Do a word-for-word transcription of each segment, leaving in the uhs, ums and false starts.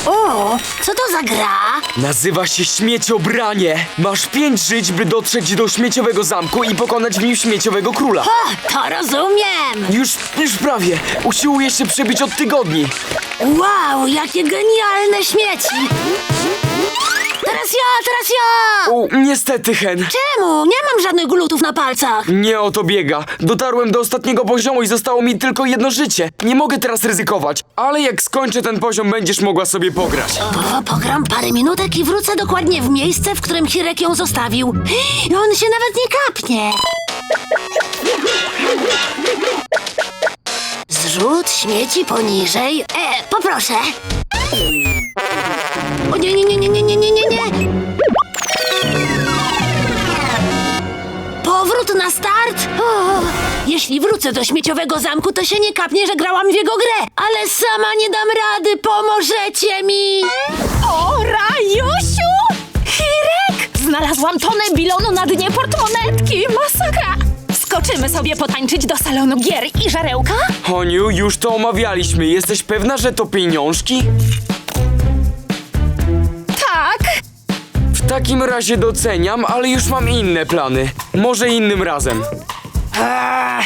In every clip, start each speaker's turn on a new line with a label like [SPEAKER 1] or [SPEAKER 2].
[SPEAKER 1] O, co to za gra?
[SPEAKER 2] Nazywa się Śmieciobranie. Masz pięć żyć, by dotrzeć do śmieciowego zamku i pokonać w nim śmieciowego króla.
[SPEAKER 1] O, to rozumiem.
[SPEAKER 2] Już, już prawie. Usiłuję się przebić od tygodni.
[SPEAKER 1] Wow, jakie genialne śmieci. Teraz ja, teraz ja!
[SPEAKER 2] U, niestety, Hen.
[SPEAKER 1] Czemu? Nie mam żadnych glutów na palcach.
[SPEAKER 2] Nie o to biega. Dotarłem do ostatniego poziomu i zostało mi tylko jedno życie. Nie mogę teraz ryzykować, ale jak skończę ten poziom, będziesz mogła sobie pograć.
[SPEAKER 1] O, pogram parę minutek i wrócę dokładnie w miejsce, w którym Hirek ją zostawił. I on się nawet nie kapnie. Zrzut śmieci poniżej. E, poproszę. O nie, nie, nie, nie, nie, nie, nie, nie, nie. Powrót na start? O, jeśli wrócę do śmieciowego zamku, to się nie kapnie, że grałam w jego grę. Ale sama nie dam rady, pomożecie mi.
[SPEAKER 3] O, Rajusiu! Hirek! Znalazłam tonę bilonu na dnie portmonetki. Masakra! Skoczymy sobie potańczyć do salonu gier i żarełka?
[SPEAKER 2] Honiu, już to omawialiśmy. Jesteś pewna, że to pieniążki?
[SPEAKER 3] Tak.
[SPEAKER 2] W takim razie doceniam, ale już mam inne plany. Może innym razem.
[SPEAKER 1] Eee.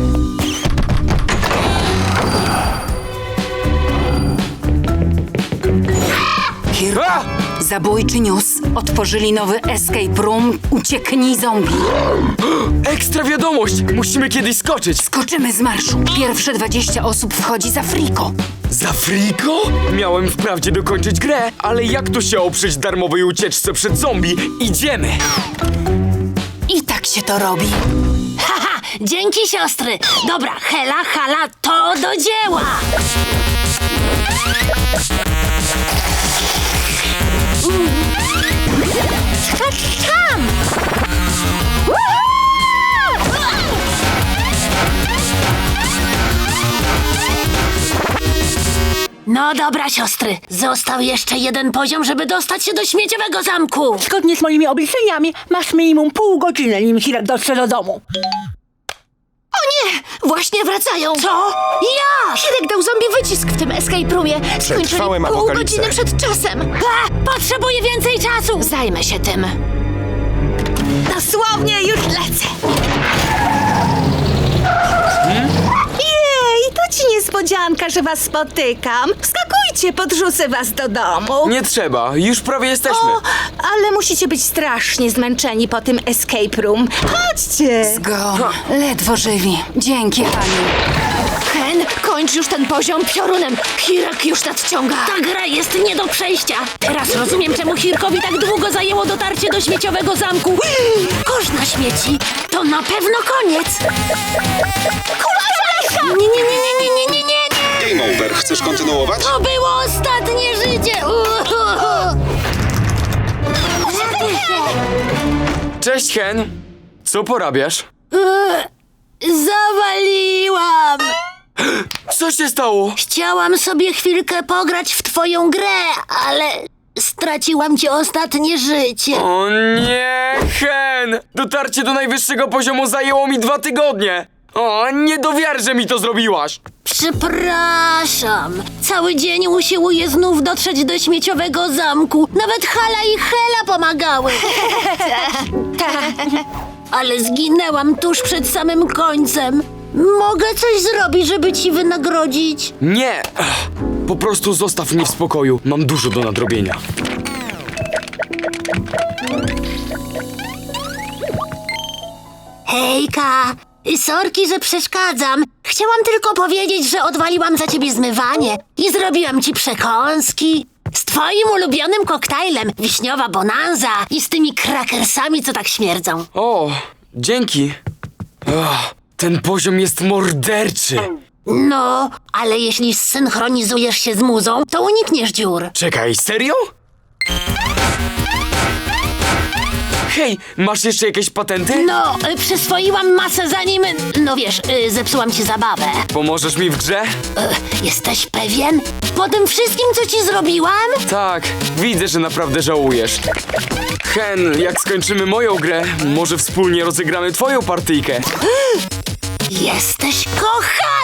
[SPEAKER 4] Hirku,
[SPEAKER 2] A!
[SPEAKER 4] zabójczy news. Otworzyli nowy escape room. Ucieknij zombie.
[SPEAKER 2] Ekstra wiadomość! Musimy kiedyś skoczyć.
[SPEAKER 4] Skoczymy z marszu. Pierwsze dwadzieścia osób wchodzi za friko.
[SPEAKER 2] Za friko? Miałem wprawdzie dokończyć grę, ale jak tu się oprzeć darmowej ucieczce przed zombie? Idziemy!
[SPEAKER 4] I tak się to robi.
[SPEAKER 1] Haha, dzięki siostry. Dobra, Hela, Hala, to do dzieła. Tam! No dobra, siostry. Został jeszcze jeden poziom, żeby dostać się do śmieciowego zamku.
[SPEAKER 5] Zgodnie z moimi obliczeniami masz minimum pół godziny, nim Hirek dotrze do domu.
[SPEAKER 1] O nie! Właśnie wracają. Co? Ja!
[SPEAKER 3] Hirek dał zombie wycisk w tym escape roomie. Skończyli
[SPEAKER 6] Przetrwałem
[SPEAKER 3] pół
[SPEAKER 6] apokalipsę.
[SPEAKER 3] godziny przed czasem.
[SPEAKER 1] A, potrzebuję więcej czasu.
[SPEAKER 3] Zajmę się tym.
[SPEAKER 5] Dosłownie już lecę. Jej, to ci niespodzianka, że was spotykam. Wskakujcie, podrzucę was do domu.
[SPEAKER 2] Nie trzeba, już prawie jesteśmy.
[SPEAKER 5] O, ale musicie być strasznie zmęczeni po tym escape room. Chodźcie.
[SPEAKER 4] Go. Ledwo żywi. Dzięki, Haniu.
[SPEAKER 1] Hen, kończ już ten poziom piorunem. Hirek już nadciąga. Ta gra jest nie do przejścia. Teraz rozumiem, czemu Hirkowi tak długo zajęło dotarcie do śmieciowego zamku. Kosz na śmieci. To na pewno koniec. Kurczę! Nie, nie, nie, nie, nie, nie, nie, nie.
[SPEAKER 6] Game over. Chcesz kontynuować?
[SPEAKER 1] To było ostatnie życie. Uhuhu.
[SPEAKER 2] Cześć, Hen. Co porabiasz?
[SPEAKER 1] Zawaliłam.
[SPEAKER 2] Co się stało?
[SPEAKER 1] Chciałam sobie chwilkę pograć w twoją grę, ale straciłam ci ostatnie życie.
[SPEAKER 2] O nie, Hen! Dotarcie do najwyższego poziomu zajęło mi dwa tygodnie. O, nie do wiary, że mi to zrobiłaś.
[SPEAKER 1] Przepraszam. Cały dzień usiłuję znów dotrzeć do śmieciowego zamku. Nawet Hala i Hela pomagały. Ale zginęłam tuż przed samym końcem. Mogę coś zrobić, żeby ci wynagrodzić?
[SPEAKER 2] Nie! Ech, po prostu zostaw mnie w spokoju. Mam dużo do nadrobienia.
[SPEAKER 1] Hejka! Sorki, że przeszkadzam. Chciałam tylko powiedzieć, że odwaliłam za ciebie zmywanie i zrobiłam ci przekąski. Z twoim ulubionym koktajlem, wiśniowa bonanza i z tymi krakersami, co tak śmierdzą.
[SPEAKER 2] O, dzięki. Ach, ten poziom jest morderczy.
[SPEAKER 1] No, ale jeśli zsynchronizujesz się z muzą, to unikniesz dziur.
[SPEAKER 2] Czekaj, serio? Hej, masz jeszcze jakieś patenty?
[SPEAKER 1] No, y, przyswoiłam masę zanim, no wiesz, y, zepsułam ci zabawę.
[SPEAKER 2] Pomożesz mi w grze?
[SPEAKER 1] Y, jesteś pewien? Po tym wszystkim, co ci zrobiłam?
[SPEAKER 2] Tak, widzę, że naprawdę żałujesz. Hen, jak skończymy moją grę, może wspólnie rozegramy twoją partyjkę.
[SPEAKER 1] Jesteś kochany!